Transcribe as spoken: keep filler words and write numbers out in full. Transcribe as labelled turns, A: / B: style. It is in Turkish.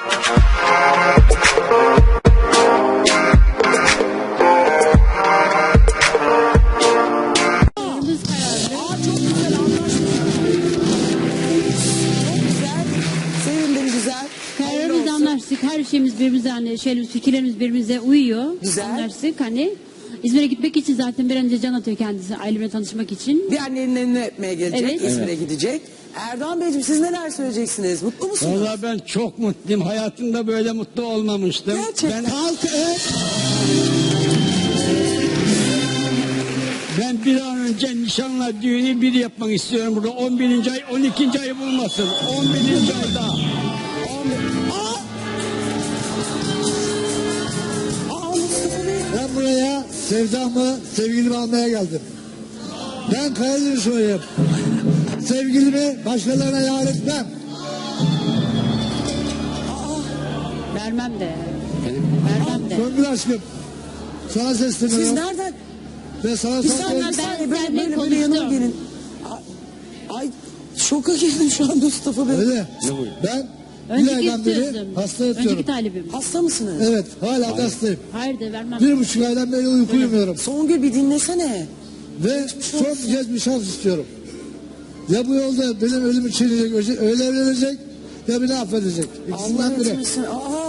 A: Her şeyimiz birbirimize, hani şeyimiz, fikirlerimiz birbirimize uyuyor.
B: Güzel.
A: Anlaştık hani. İzmir'e gitmek için zaten bir an önce can atıyor kendisi ailemle tanışmak için.
B: Bir annenin elini öpmeye gelecek,
A: Evet.
B: İzmir'e
C: Evet.
B: gidecek. Erdoğan Beyciğim siz neler söyleyeceksiniz? Mutlu musunuz?
C: Vallahi ben çok mutluyum. Hayatımda böyle mutlu olmamıştım.
B: Gerçekten.
C: Ben halk evet. Ben bir an önce nişanla düğünü bir yapmak istiyorum burada. on birinci ay, on ikinci ayı bulmasın. on birinci ayda.
D: Ben buraya sevdamı, sevgilimi almaya geldim. Ben Karadenizliyim. Sevgilimi başkalarına yar etmem.
A: Vermem de. Vermem de.
D: Songül aşkım, sana
B: Siz
D: sesleniyorum.
B: nereden?
D: Ve sana
B: Bir
D: son
B: saniye,
A: ben
B: bir saniye böyle,
A: seninle
B: böyle, böyle yanıma
A: konuştum.
B: gelin. Ay, ay şoka girdim şu an Mustafa Bey.
D: Öyle. Ben bir
A: Önceki
D: aydan beri
A: istiyorsun.
D: hasta yatıyorum.
A: Önceki talibim.
B: Hasta mısınız?
D: Evet, hala da hastayım.
A: Hayır de vermem.
D: Bir buçuk aydan beri uyku uyumuyorum.
B: Songül bir dinlesene.
D: Ve son bir kez bir şans istiyorum. Ya bu yolda benim ölüm için öyle evlenecek ya beni affedecek. İkisinden
B: Allah
D: biri.
B: etmesin. Aa,